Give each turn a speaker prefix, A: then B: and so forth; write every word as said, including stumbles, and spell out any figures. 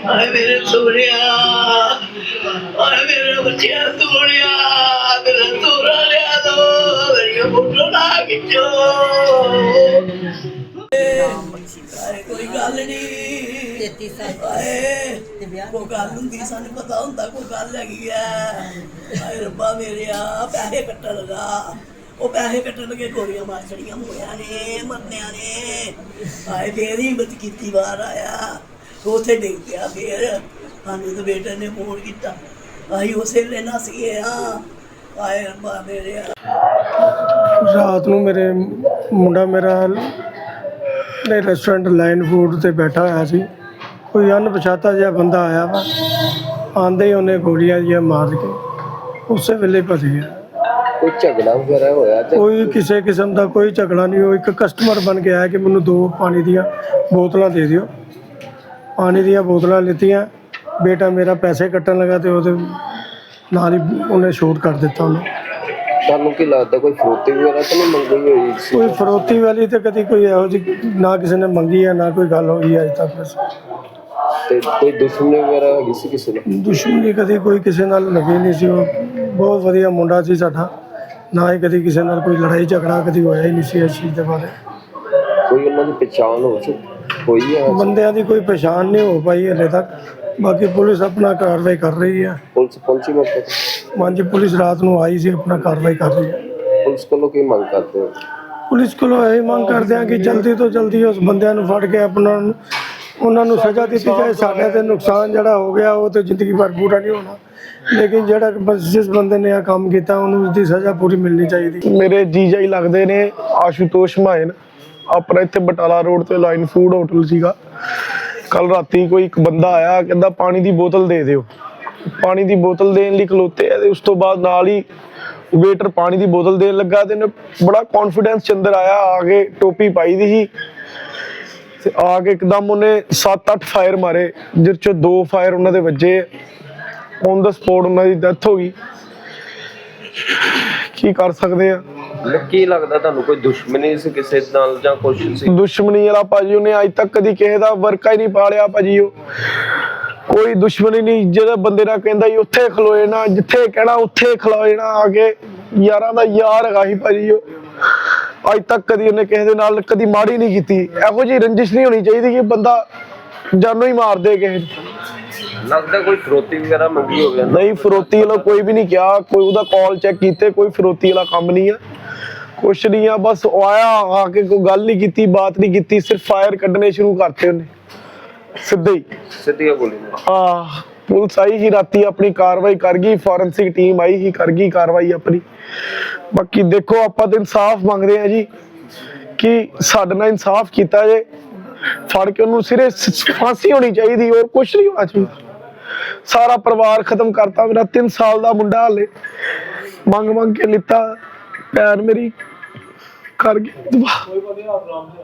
A: हाय मेरे सोनिया, हाय मेरे बच्चिया सोनिया, मेरा सोना लिया दो, मेरी फोटो ना खिंचो। हाय कोई गल नहीं, कोई गल हुंदी सानू पता हुंदा कोई गल हैगी है। हाय रब्बा मेरेया पैसे कट्टन लगा, वो पैसे कट्टन लगे गोलियां मार छड़ियां होया ने मरनिया ने। हाय फिर हिम्मत कीती बाहर आया, उसे डिग पिया फिर सानू तो बेटे ने फोन किया, असीं उस वेले नस गए हाँ। हाय रब्बा मेरेया
B: रात ਨੂੰ ਮੇਰੇ ਮੁੰਡਾ ਮੇਰਾ ਨੇ ਰੈਸਟੋਰੈਂਟ ਲਾਈਨ ਫੂਡ ਤੇ ਬੈਠਾ ਹੋਇਆ ਸੀ। ਕੋਈ ਅਣਪਛਾਤਾ ਜਿਹਾ ਬੰਦਾ ਆਇਆ ਵਾ, ਆਂਦੇ ਹੀ ਉਹਨੇ ਗੋਲੀਆਂ ਜਿਹੀਆਂ ਮਾਰ ਕੇ ਉਸੇ ਵੇਲੇ ਭੱਜ ਗਿਆ।
C: ਕੋਈ ਝਗੜਾ ਵਗੈਰਾ ਹੋਇਆ ਤੇ
B: ਕੋਈ ਕਿਸੇ ਕਿਸਮ ਦਾ ਕੋਈ ਝਗੜਾ ਨਹੀਂ। ਉਹ ਇੱਕ ਕਸਟਮਰ ਬਣ ਕੇ ਆਇਆ ਕਿ ਮੈਨੂੰ ਦੋ ਪਾਣੀ ਦੀਆਂ ਬੋਤਲਾਂ ਦੇ ਦਿਓ। ਪਾਣੀ ਦੀਆਂ ਬੋਤਲਾਂ ਲਿੱਤੀਆਂ, ਬੇਟਾ ਮੇਰਾ ਪੈਸੇ ਕੱਟਣ ਲੱਗਾ ਤੇ ਉਹਦੇ ਨਾਲ ਹੀ ਉਹਨੇ ਸ਼ੂਟ ਕਰ ਦਿੱਤਾ ਉਹਨੂੰ।
C: ਤੁਹਾਨੂੰ ਕੀ ਲੱਗਦਾ ਕੋਈ ਫਰੋਤੀ ਵਗੈਰਾ ਤਾਂ ਨਹੀਂ ਮੰਗੀ ਹੋਈ ਸੀ?
B: ਕੋਈ ਫਰੋਤੀ ਵਾਲੀ ਤਾਂ ਕਦੀ ਕੋਈ ਇਹੋ ਜਿਹੀ ਨਾ ਕਿਸੇ ਨੇ ਮੰਗੀ ਹੈ, ਨਾ ਕੋਈ ਗੱਲ ਹੋਈ ਅੱਜ ਤੱਕ। ਬਸ
C: ਤੇ ਕੋਈ ਦੁਸ਼ਮਣੀ ਵਗੈਰਾ ਹੈਗੀ ਸੀ ਕਿਸੇ ਨਾਲ?
B: ਦੁਸ਼ਮਣੀ ਕਦੀ ਕੋਈ ਕਿਸੇ ਨਾਲ ਲੱਗੀ ਨਹੀਂ ਸੀ। ਉਹ ਬਹੁਤ ਵਧੀਆ ਮੁੰਡਾ ਸੀ ਸਾਡਾ, ਨਾ ਹੀ ਕਦੀ ਕਿਸੇ ਨਾਲ ਕੋਈ ਲੜਾਈ ਝਗੜਾ ਕਦੀ ਹੋਇਆ ਹੀ ਨਹੀਂ ਸੀ। ਇਸ ਚੀਜ਼ ਦੇ ਬਾਰੇ
C: ਕੋਈ ਉਹਨਾਂ ਦੀ ਪਛਾਣ ਹੋ ਚੁੱਕੀ ਹੋਈ ਹੈ?
B: ਬੰਦਿਆਂ ਦੀ ਕੋਈ ਪਛਾਣ ਨਹੀਂ ਹੋ ਪਾਈ ਹਲੇ ਤੱਕ। ਬਾਕੀ ਪੁਲਿਸ ਆਪਣਾ ਕਾਰਵਾਈ ਕਰ ਰਹੀ ਹੈ।
C: ਪੁਲਿਸ ਪਹੁੰਚੀ ਮੌਕੇ ਤੇ?
B: ਹਾਂਜੀ, ਪੁਲਿਸ ਰਾਤ ਨੂੰ ਆਈ ਸੀ, ਆਪਣਾ ਕਾਰਵਾਈ ਕਰ ਰਹੀ ਹੈ।
C: ਪੁਲਿਸ ਕੋਲੋਂ ਕੀ ਮੰਗ ਕਰਦੇ ਹੋ?
B: ਪੁਲਿਸ ਕੋਲੋਂ ਇਹ ਮੰਗ ਕਰਦੇ ਹਾਂ ਕਿ ਜਲਦੀ ਤੋਂ ਜਲਦੀ ਉਸ ਬੰਦਿਆਂ ਨੂੰ ਫੜ ਕੇ ਆਪਣਾ ਉਹਨਾਂ ਨੂੰ ਸਜ਼ਾ ਦਿੱਤੀ ਜਾਏ। ਸਾਡੇ ਤੇ ਨੁਕਸਾਨ ਜਿਹੜਾ ਹੋ ਗਿਆ ਉਹ ਤੇ ਜ਼ਿੰਦਗੀ ਭਰ ਪੂਰਾ ਨਹੀਂ ਹੋਣਾ, ਲੇਕਿਨ ਜਿਹੜਾ ਜਿਸ ਬੰਦੇ ਨੇ ਇਹ ਕੰਮ ਕੀਤਾ ਉਹਨੂੰ ਉਸਦੀ ਸਜ਼ਾ ਪੂਰੀ ਮਿਲਣੀ ਚਾਹੀਦੀ। ਮੇਰੇ ਜੀਜਾ ਹੀ ਲੱਗਦੇ ਨੇ ਆਸ਼ੂਤੋਸ਼ ਮਾਇਨ, ਆਪਣਾ ਇੱਥੇ ਬਟਾਲਾ ਰੋਡ ਤੇ ਲਾਈਨ ਫੂਡ ਹੋਟਲ ਸੀਗਾ। ਕੱਲ ਰਾਤੀ ਕੋਈ ਇੱਕ ਬੰਦਾ ਆਇਆ, ਕਹਿੰਦਾ ਪਾਣੀ ਦੀ ਬੋਤਲ ਦੇ ਦਿਓ। ਪਾਣੀ ਦੀ ਬੋਤਲ ਦੇਣ ਲਈ ਖਲੋਤੇ ਆ ਤੇ ਉਸ ਤੋਂ ਬਾਅਦ ਨਾਲ ਹੀ ਵੇਟਰ ਪਾਣੀ ਦੀ ਬੋਤਲ ਦੇਣ ਲੱਗਾ ਤੇ ਬੜਾ ਕੌਨਫੀਡੈਂਸ ਚ ਅੰਦਰ ਆਇਆ, ਆ ਕੇ ਟੋਪੀ ਪਾਈ ਦੀ ਸੀ ਤੇ ਆ ਕੇ ਇੱਕਦਮ ਉਹਨੇ ਸੱਤ ਅੱਠ ਫਾਇਰ ਮਾਰੇ, ਜਿਸ ਚੋਂ ਦੋ ਫਾਇਰ ਉਹਨਾਂ ਦੇ ਵੱਜੇ। ਔਨ ਦਾ ਸਪੋਟ ਉਹਨਾਂ ਦੀ ਡੈਥ ਹੋ ਗਈ। ਕੀ ਕਰ ਸਕਦੇ ਆ?
C: ਕੀ ਲੱਗਦਾ ਤੁਹਾਨੂੰ ਕੋਈ ਦੁਸ਼ਮਣੀ ਸੀ ਕਿਸੇ ਨਾਲ ਜਾਂ ਕੁਛ ਸੀ?
B: ਦੁਸ਼ਮਣੀ ਵਾਲਾ ਭਾਜੀ ਉਹਨੇ ਅੱਜ ਤੱਕ ਕਦੀ ਕਿਸੇ ਦਾ ਵਰਕਾ ਹੀ ਨਹੀਂ ਪਾਲਿਆ ਭਾਜੀ। ਉਹ ਕੋਈ ਦੁਸ਼ਮਣੀ ਨਹੀਂ। ਜਿਹੜਾ ਬੰਦੇ ਨਾਲ ਕਹਿੰਦਾ ਹੀ ਉੱਥੇ ਖਲੋਏ ਨਾ, ਜਿੱਥੇ ਕਹਿਣਾ ਉੱਥੇ ਖਲੋਏ ਨਾ, ਆ ਕੇ ਯਾਰਾਂ ਦਾ ਯਾਰ ਹੈਗਾ ਸੀ ਭਾਜੀ ਉਹ। ਅੱਜ ਤੱਕ ਕਦੀ ਉਹਨੇ ਕਿਸੇ ਦੇ ਨਾਲ ਕਦੀ ਮਾੜੀ ਨਹੀਂ ਕੀਤੀ। ਇਹੋ ਜਿਹੀ ਰੰਜਿਸ਼ ਨਹੀਂ ਹੋਣੀ ਚਾਹੀਦੀ ਕਿ ਬੰਦਾ ਜਾਨੋਂ ਹੀ ਮਾਰ ਦੇ ਕਿਸੇ ਨੂੰ।
C: ਲੱਗਦਾ ਕੋਈ ਫਰੋਤੀ ਵਗੈਰਾ ਮੰਗੀ ਹੋਵੇ?
B: ਨਹੀਂ, ਫਰੋਤੀ ਵਾਲਾ ਕੋਈ ਵੀ ਨਹੀਂ ਕਿਹਾ। ਕੋਈ ਉਹਦਾ ਕਾਲ ਚੈੱਕ ਕੀਤੇ, ਕੋਈ ਫਰੋਤੀ ਵਾਲਾ ਕੰਮ ਨਹੀਂ ਆ, ਕੁਛ ਨਹੀਂ ਆ। ਬਸ ਉਹ ਆਇਆ, ਆ ਕੇ ਕੋਈ ਗੱਲ ਨਹੀਂ ਕੀਤੀ, ਬਾਤ ਨਹੀਂ ਕੀਤੀ, ਸਿਰਫ ਫਾਇਰ ਕੱਢਣੇ ਸ਼ੁਰੂ ਕਰਤੇ ਉਹਨੇ ਸਿੱਧੇ ਹੀ
C: ਸਿੱਧੀਆਂ ਗੋਲੀਆਂ।
B: ਹਾਂ, ਪੁਲਿਸ ਆਈ ਹੀ ਰਾਤੀ, ਆਪਣੀ ਕਾਰਵਾਈ ਕਰ ਗਈ। ਫੋਰੈਂਸਿਕ ਟੀਮ ਆਈ ਹੀ, ਕਰ ਗਈ ਕਾਰਵਾਈ ਆਪਣੀ। ਬਾਕੀ ਦੇਖੋ, ਆਪਾਂ ਤਾਂ ਇਨਸਾਫ ਮੰਗਦੇ ਆ ਜੀ ਕਿ ਸਾਡੇ ਨਾਲ ਇਨਸਾਫ ਕੀਤਾ ਜੇ, ਫੜ ਕੇ ਉਹਨੂੰ ਸਿਰੇ ਫਾਂਸੀ ਹੋਣੀ ਚਾਹੀਦੀ, ਹੋਰ ਕੁਛ ਨਹੀਂ ਹੋਣਾ ਚਾਹੀਦਾ। ਸਾਰਾ ਪਰਿਵਾਰ ਖਤਮ ਕਰਤਾ। ਮੇਰਾ ਤਿੰਨ ਸਾਲ ਦਾ ਮੁੰਡਾ ਹਾਲੇ ਮੰਗ ਮੰਗ ਕੇ ਲਿੱਤਾ, ਭੈਣ ਮੇਰੀ ਕਰ ਗਈ।